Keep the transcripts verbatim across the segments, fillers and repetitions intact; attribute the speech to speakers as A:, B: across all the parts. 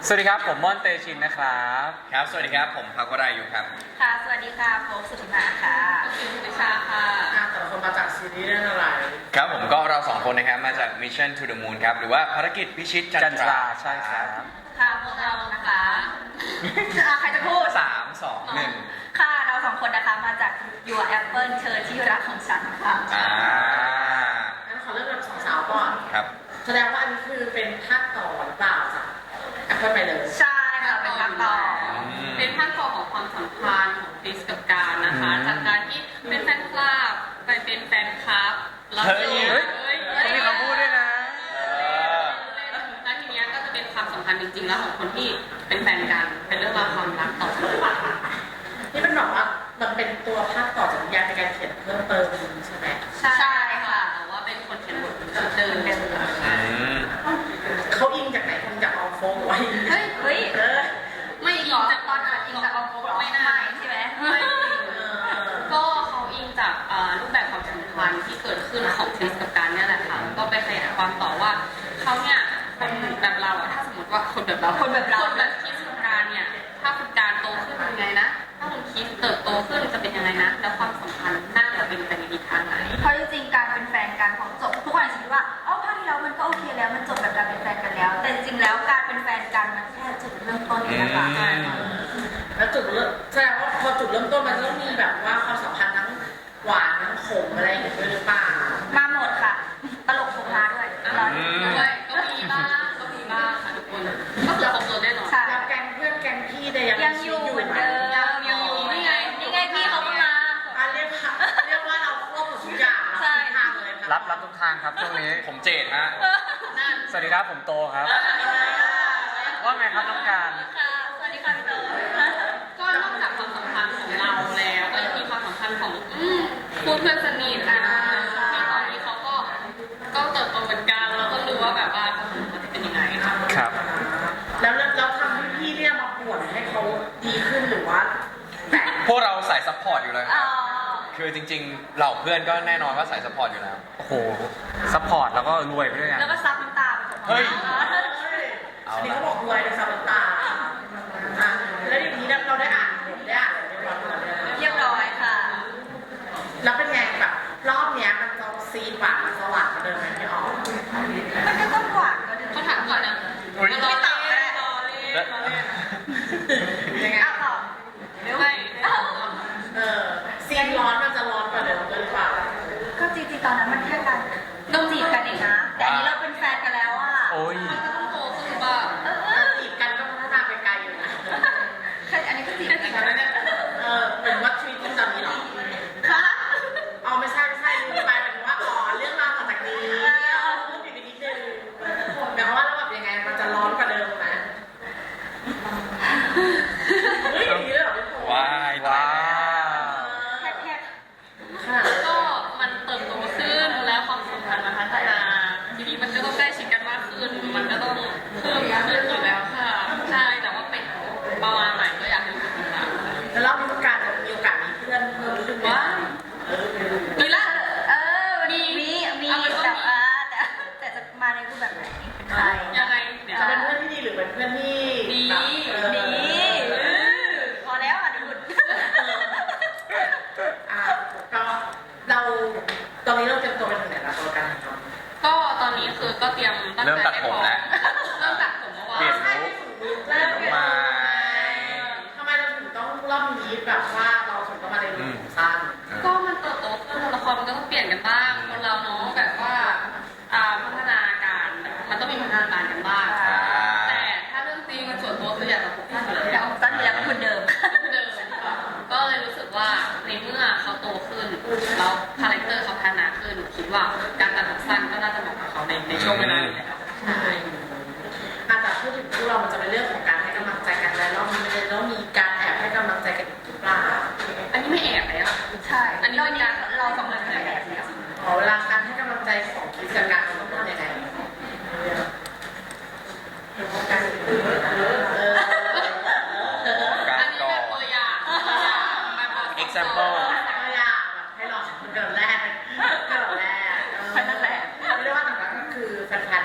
A: สวัสดีครับผมม่อนเตชินนะครับ
B: ครับสวัสดีครับผมพักวรายุครับ
C: ค่ะสวัสดีค่ะโฟกสุธิมาค่ะคิวพิชาค่ะ
D: แต่ละคนมาจากซีรีส์เรื่องอะไร
B: ครับผมก็เราสองคนนะครับมาจาก Mission to the Moon ครับหรือว่าภารกิจพิชิตจันทรา
A: ใช่ครับ
C: ค่ะพวกเรานะคะใครจะพูด
B: สามสองหนึ่ง
C: ค่ะเราสองคนนะคะมาจาก Your Apple เธอที่รักของฉันค่ะ
B: อ่า
D: งั้นขอเริ่มจากสองสาวก่อน
B: ครับ
D: แสดงว่าอันนี้คือเป็นภาคต่อหรือเปล่าจากแอปเปิลไปเลย
C: ใช่ค่ะเป็นภาคต่อ
E: เป็นภาคต่อของความสัมพันธ์ของคริสกับการนะคะจากการที่เป็นแฟนคลับไปเป็นแฟนคลับแล้วเฮ้ย
A: เฮ้ยเขามีคำพูดด้วยนะ
E: แล้วทีนี้ก็จะเป็นความสัมพันธ์จริงๆแล้วของคนที่เป็นแฟนกันเป็นเรื่องราวความรักต่อจากนี้
D: นี่เป็นบอกว่ามันเป็นตัวภาคต่อจากนิยายในการเขียนเพิ่มเติมใช่ไหม
E: ใช่ค่ะแต่ว่าเป็นคนเขียนบทชุดเดิม
D: เขาอิงจากไหนคนจากเอาโฟงไว้
C: เฮ้ยเฮ้ย
D: เออ
E: ไม่อิงจาก
C: ตอนอิงจากเอาโฟงไม่น่าใช่ไหมไม่
E: ก็เขาอิงจากรูปแบบความสัมพันธ์ที่เกิดขึ้นของคริสกับการเนี่ยแหละค่ะก็ไปขยายความต่อว่าเขาเนี่ยคนแบบเราอะถ้าสมมติว่าคนแบบเรา
C: คนแบบเรา
E: คนแบบคริสกับการเนี่ยถ้าคุณการโตขึ้นเป็นไงนะถ้าคุณคริสเติบโตขึ้นจะเป็นยังไงนะแล้วความสัมพันธ์น่าจะเป็นไปในทิศทางไหน
C: เพราะจริงๆการเป็นแฟนกันของจบทุกคนคิดว่าอ๋อภาคที่แล้วมันก็โอเคแล้วมันจบแบบการเป็นแฟนกันแล้วแต่จริงๆแล้วการเป็นแฟนกันมันแค่จุดเริ่มต้นเองนะคะใช่
D: แล้วจุดเริ่มแสดงว่าพอจุดเริ่มต้นมันต้องมีแบบว่าความสัมพันธ์ทั้งหวานทั้งขมอะไรอย่างเงี้ยด้วยหรือเปล่า
C: มาหมดค่ะตลกโผล่มาด้วย
E: ด้วยก็มีบ้างก็มีบ้างค่ะทุกคนก็คือครบตัวแน่นอน
D: แล้วแกงเพื่อนแกงพี่ได้ยัง
C: ยังอยู่เหมือนเดิม
E: ยังอยู่นี่ไง
C: นี่ไงพี่เขามา
D: เรียกเรียกว่าเราควบหมดทุกอย่างใช่ทางเลย
A: รับรับทุกทางครับช่วงนี้
B: ผมเจดฮะ
A: สวัสดีครับผมโตครับว่าไงครับน้องการ
C: ค่ะสวัสดีค่ะพี่โต
E: ก็นอกจากความสัมพันธ์ของเราแล้วก็ยังมีความสัมพันธ์ของคู่เพื่อนสนิทอ่ะที่ตอนนี้เขาก็ก็เติบโตเหมือนกันแล้วก็รู้ว่าแบบว่าความสัมพันธ์จะเป็นยังไงค่ะ
A: ครับ
D: แล้วแล้วทำให้พี่เนี่ยมาป่วนให้เขาดีขึ้นหรือว่า
B: พวกเราสายซัพพอร์ตอยู่เลยคือจริงๆเหล่าเพื่อนก็แน่นอนว่าสายซัพพอร์ตอยู่แล้ว
A: โอ้โหซัพพอร์ตแล้วก็รวยไปด้วยกัน
C: แล้วก็ซับน้ำตา
B: เฮ้ย
D: อันนี้เขาบอกรวยในซับน้ำตาแล้วทีนี้เราได้อ่านได้อ่าน
C: เรียบร้อยค่ะ
D: แล้วเป็นไงแบบรอบเนี้ยมันจะซีนหวานสว่างเดิมไหมพี่อ๋อ
C: มันก็ต้องหวานก็เดิม
E: เขาถามก่อนนะ
C: ไม่ตอบเลยยังไงตอบ
E: เดี๋ยวไม่
D: เออซีนร้อนมันจะร้อนกว่าเดิมหรือเปล่า
C: ก็จริงๆตอนนั้นมันแค่การต้องจีบกันเองนะแต่อันนี้เราเป็นแฟนกันแล้วอ่ะ
A: โอ้ย
E: มันก็ต้องโตขึ้นบ้าง
D: จีบกันก็พัฒนาไปไกลอยู่นะ
C: อันนี้ก็จีบกัน
D: แล้วเนี่ยเออเหมือนว่าชีวิตจริงตอนนี้หรอ
C: คะ
D: เอาไม่ใช่ไม่ใช่ลืมไปหมายถึงว่าอ๋อเรื่องราวต่อจากนี้เอาพูดผิดไปนิดนึงหมายความว่าเราแบบยังไงมันจะร้อนกว่าเดิมไหมเฮ้ยอย่างนี้เลยเหรอพี่
B: ว้ายว้า
E: ก็มันเติบโตขึ้นแล้วความสัมพันธ์มันพัฒนาทีนี้มันก็ต้องใกล้ชิดกันมากขึ้นมันก็ต้องเพิ่มขึ้นอยู่แล้วค่ะใช่แต่ว่าเป็นประมาณไหนก็อยากให้ดูค่ะ
D: แล้วรอบนี้การจะมีโอกาสมีเพื่อนเพิ่มขึ้นไหม
E: มีละ
C: เออมีมีมีแต่ว่าแต่แต่จะมาในรูปแบบไหนใคร
E: ยังไง
D: จะเป็นเพื่อนที่ดีหรือเป็นเพื่อนที่
E: ดี
C: ดีพอแล้วอ่ะดุด
D: อ่ะก็เราตอนนี้เราเตรียมตัวไปถึงไหนแล้วตัวกันครับ
E: ก็ตอนนี้คือก็เตรียม
B: เริ่มตัดผมแล้ว
E: เริ่มตัดผมเมื่อวาน
B: เปลี่ยนลุค
D: เริ่ม
B: มา
D: ทำไมเราถึงต้องรอบนี้แบบว่าเราถึงต้องมาในลุคสั้น
E: ก็มันเติบโตขึ้นละครมันก็ต้องเปลี่ยนกันบ้างคนเราเนาะแบบว่าพัฒนาการมันต้องมีพัฒนาการกันบ้างแต่ถ้าเรื่องจริงมันส่วนตัวคืออยากจะผมสั้นอยู่แล้ว
C: อยากผมสั้นอยู่แล้วเหมือนเดิม
E: เดิมก็เลยรู้สึกว่าในเมื่อเขาโตขึ้นแล้วคาแรคเตอร์เขาพัฒนาขึ้นคิดว่าการตัดผมสั้นก็น่าจะเหมาะกับเขาในในช่วงเวลานี้แล้ว
D: ใช่อาจจะพูดถึงพวกเรามันจะเป็นเรื่องของการให้กำลังใจกันแล้วรอบนี้มันจะต้องมีการแอบให้กำลังใจกันอีกหรือเปล่า
E: อันนี้ไม่แอบแล้ว
C: ใช่
E: อันนี้เป็นการ
C: เราสองคนแอบแล้ว
D: อ๋อเวลาการให้กำลังใจของกิจการมันต้องทำยังไงการเออ
E: อันนี้แบบตัวอย่างตัวอย่างแบบ
B: example
D: ตัวอย่างให้ลองเกิดแรกเกิดแรก
C: พันนั่นแหละ
D: เรียกว่าหนังก็คือแฟน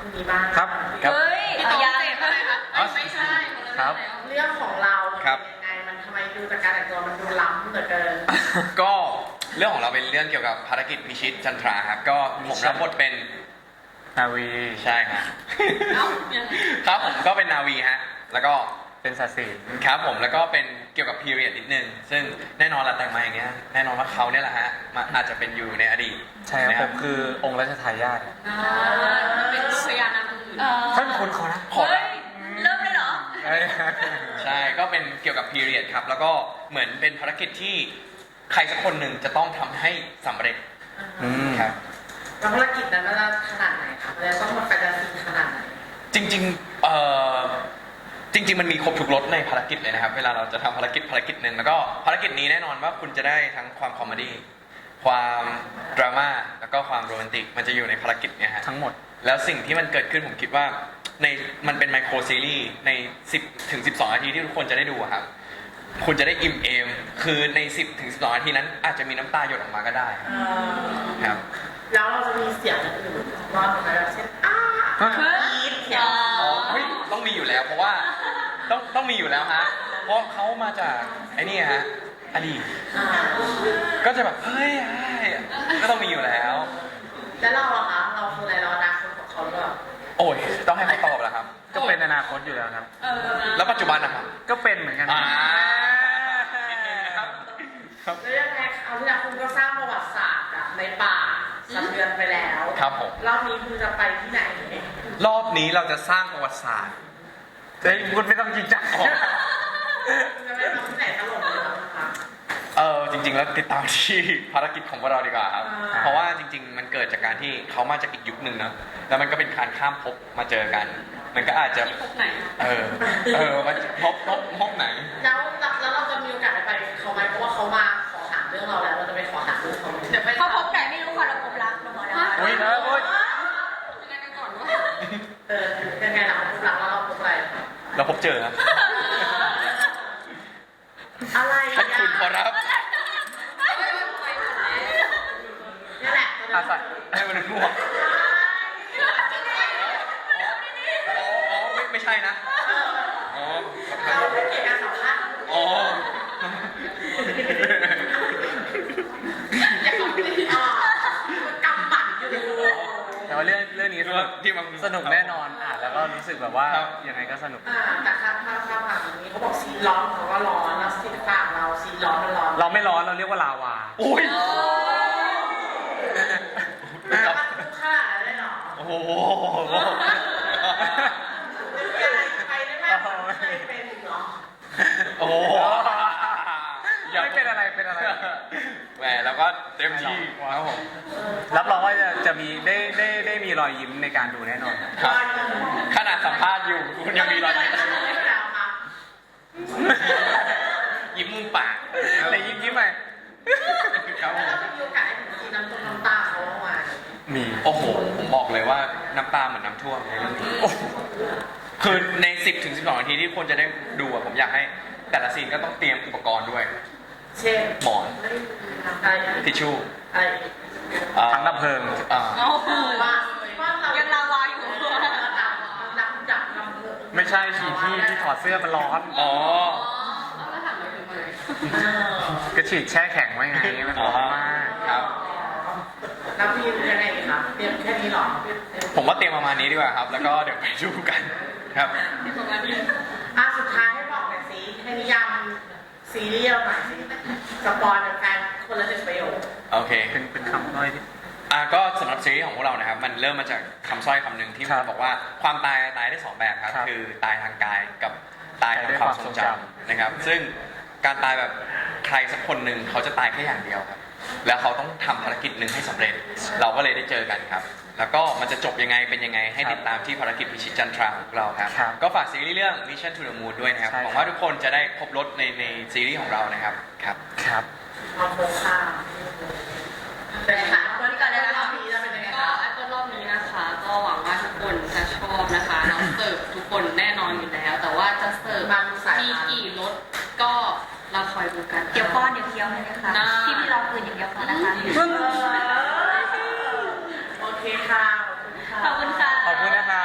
D: คุณนี้บ้าง
B: ครับครับ
C: เฮ้ย
E: พี่
C: เอา
E: โต
C: ยัง
E: เจ็บอะไรคะเอ้ยไม่ใช่คนละ
B: ครับ
E: แล้ว
D: เรื่องของเรามัน
B: ครับ
D: เป็นยังไงมันทำไมดูจากการแต่งตัวมันดูล้ำเหลือเกิน
B: ก็เรื่องของเราเป็นเรื่องเกี่ยวกับภารกิจพิชิตจันทราครับก็ผมรับบทเป็น
A: นาวี
B: ใช่ฮะ
E: เอ้ายังไง
B: ครับผมก็เป็นนาวีฮะแล้วก็
A: เป็นศาสิน
B: ครับผมแล้วก็เป็นเกี่ยวกับพีเรียดนิดนึงซึ่งแน่นอนละแต่งมาอย่างเงี้ยแน่นอนว่าเขาเนี่ยแหละฮะมาอาจจะเป็นอยู่ในอดีต
A: ใช่ครับ
B: นะ
A: ผมคือองค์รัชทายาท
E: อ่าเป็นลูกพญานามอื่น
C: เออ
A: ท่านคุณขอนะ
B: ขอ
C: เฮ้
B: ละ
C: ยเริ่มเลยเหรอ
A: เอ้ย
B: ใช่ก็เป็นเกี่ยวกับพีเรียดครับแล้วก็เหมือนเป็นภารกิจที่ใครสักคนหนึ่งจะต้องทำให้สำเร็จ
A: อืม
B: ครับ
D: แล้วภารกิจนั้นมันจะขนาดไหนคะมันจะต้องมาแฟนตาซีขนาดไหน
B: จริงๆเอ่อจริง ๆ มันมีครบทุกรสในภารกิจเลยนะครับ เวลาเราจะทำภารกิจภารกิจหนึ่งแล้วก็ภารกิจนี้แน่นอนว่าคุณจะได้ทั้งความคอมเมดี้ความดราม่าแล้วก็ความโรแมนติกมันจะอยู่ในภารกิจเนี่ยฮะ
A: ทั้งหมด
B: แล้วสิ่งที่มันเกิดขึ้นผมคิดว่าในมันเป็นไมโครซีรีส์ในสิบถึงสิบสองนาทีที่ทุกคนจะได้ดูอะครับคุณจะได้อิ่มเอมคือในสิบถึงสิบสองนาทีนั้นอาจจะมีน้ำตาหยดออกมาก็ได้
D: เออ
B: ครับ
D: แล้วเราจะมีเสียงอื่นๆรอดไหมแบบเช่นอ้า
A: ฮะ
D: กรี๊ดเสียง
B: อ๋อเฮ้ยต้องมีอยู่แล้วเพราะว่าต้องต้องมีอยู่แล้วฮะเพราะเขามาจากไอ้นี่ฮะอดีต
D: อ่า
B: ก็จะแบบเฮ้ยเฮ้ยก็ต้องมีอยู่แล้ว
D: แล้วเราอะคะเราคืออะไรเราอนาคตของเขาหรือเปล่า
B: โอ้ยต้องให้เขาตอบแล้วครับ
A: ก็เป็นอนาคตอยู่แล้วครับ
E: เออนะ
B: แล้วปัจจุบันนะครับ
A: ก็เป็นเหมือนกัน
B: อ่านิดนึงนะครับ
D: แล้วยังไงเอาที่แล้วคุณก็สร้างประวัติศาสตร์อะในป่าสะเทือนไปแล้ว
B: ครับผม
D: รอบนี้คุณจะไปที่ไหน
B: รอบนี้เราจะสร้างประวัติศาสตร์
A: เฮ้ยคุณไม่ต้องจริงจัง
B: อ๋อ
D: คุณจะไปทำที่ไหนตลกเลยเหรอคะ
B: เออจริง ๆ แล้วติดตามที่ภารกิจของพวกเราดีกว่าครับ
D: อ่า
B: เพราะว่าจริง ๆ มันเกิดจากการที่เขามาจากอีกยุคหนึ่งนะแล้วมันก็เป็นการข้ามภพมาเจอกัน มันก็อาจจะ
E: ที่พบไหน
B: เออเออมันภพภพภพไหน
D: แล้วแล้วเราจะมีโอกาสได้ไปเขาไหมเพราะว่าเขามาขอถามเรื่องเราแล้วเราจะไปขอถามเรื่องเขาไหม
E: เดี๋ยวไป
C: เขาพบไหนไม่รู้ค่ะเราพบรักเราบอกแล้วว่า
A: โอ้ยนะโอ้ย
E: ยังไงกันก่อนวะ
D: เออยังไงล่ะพบรักแล้วเราพบอะไร
B: เราพบเจอครับ
D: อะไร
B: ท่านคุณขอรับ
D: นี่แหละ
A: อาศัย
B: ให้มันง่วงอ๋ออ๋อไม่ไม่ใช่นะ อ๋อ
D: เราไม่เกี่ยวกับสัมภาษณ์
B: อ๋อ
D: อย่าขอพูดอ่ามันกำหมัดอยู่
A: แต่ว่าเรื่องเรื่องนี้สนุก
B: ที่มัน
A: สนุกแน่นอนอ่านแล้วก็รู้สึกแบบว่า
B: ครับ
A: ยังไงก็สนุก
D: อ่าแต่ถ้าถ้าถ้าผ่านอย่างนี้เขาบอกซีนร้อนเขาก็ร้อนแล้วซีนต่างเราซีนร้อนมันร้อน
A: เราไม่ร้อนเราเรียกว่าลาวา
B: โอ้ย
D: แต่ว่าทุกค่าได้หรอ
B: โอ้โห
D: ไปได้ไหมไม่เคยเป็นหรอ
B: โอ้โห
A: ไม่เป็นอะไรเป็นอะไร
B: แหมแล้วก็เต็มที่ครับผม
A: รับรองว่าจะจะมีได้ได้ได้มีรอยยิ้มในการดูแน่นอน
B: ครับ ขนาดสัมภาษณ์อยู่คุณยังมีรอยยิ้ม
D: แล้วค่ะ
B: ยิ้มมุมปาก
A: แต่ยิ้มยิ้มไป
B: ครับผ
D: แล้ว
B: ม
D: เราจะมีโอกาสได้เห็นซีนน้ำตกน้ำตาเขาบ้างไหม
A: มี
B: โอ้โห ผมบอกเลยว่าน้ำตาเหมือนน้ำท่วมในเรื่องนี้คือใน สิบถึงสิบสองนาทีที่คนจะได้ดูอะผมอยากให้แต่ละซีนก็ต้องเตรียมอุปกรณ์ด้วย
D: เช่น
B: หมอน
D: อะไร
B: ทิชชู่
D: อะไร
B: อ่า
A: ถังดับเพลิง
B: อ่า
E: เอาคื
D: ว่าว่าเรา
E: ยังลาวาอยู่
D: ดับดับดับดับ
A: ไม่ใช่ฉีที่ที่ถอดเสื้อมันร้อน
B: อ๋อ
E: เอาแล้วถามไปถึงไหน
A: ก็ฉีดแช่แข็งไว้ไงมันร้อนมาก
B: ครับ
D: แล้วพี่ยังไงคะเตรียมแค่นี้หรอ
B: ผมว่าเตรียมประมาณนี้ดีกว่าครับ แล้วก็เดี๋ยวไปดูกันครับ
E: ที่ประมาณนี้
D: อ่ะสุดท้ายให้บอกหน่อยสิให้นิยามซีรีส์เราหน่อยสิสปอยเป็นแฟนคนละสิบประโยค
B: โอเค
A: เป็นเป็นคำน้อยที่
B: อ่าก็สำหรับซีรีส์ของพวกเรานะครับ มันเริ่มมาจากคำสร้อยคำหนึ่งที่
A: ครับ
B: มันบอกว่าความตายตายได้สองแบบครับ
A: ครับ
B: คือตายทางกายกับตายทางความทรงจำนะครับ ซึ่งการตายแบบใครสักคนหนึ่งเขาจะตายแค่อย่างเดียวครับ แล้วเขาต้องทำภารกิจหนึ่งให้สำเร็จ เราก็เลยได้เจอกันครับ แล้วก็มันจะจบยังไงเป็นยังไงให้ติดตามที่ภารกิจพิชิตจันทราของเราครับ
A: ครับ
B: ก็ฝากซีรีส์เรื่อง Mission to the Moon ด้วยนะครับ
A: ใช่
B: ห
A: ครับ
B: วังว่าทุกคนจะได้พบรถในในซีรีส์ของเรานะครับครับ
A: ครับ
D: เอาโคค่าเป็นไงคะวันนี้ก่อนเลยรอบนี้จะเป็นยังไง
E: ก็
D: คะ
E: ไอ้ต้นรอบนี้นะคะ ก็หวังว่าทุกคนจะชอบนะคะเราเสิร์ฟทุกคนแน่นอนอยู่แล้ว แต่ว่าจะเสิร์ฟมีกี่รสก็เราคอยดูกัน
C: เดี๋ยวป้อนเดี๋ยวเคี้ยวเลยนะคะ
E: ได้
C: ที่พี่เราคืนอย่างเดียวพอนะคะ
D: โอเคค่ะ
C: ขอบคุณค่ะ
A: ขอบคุณนะครับ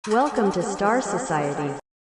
F: Welcome to Star Society.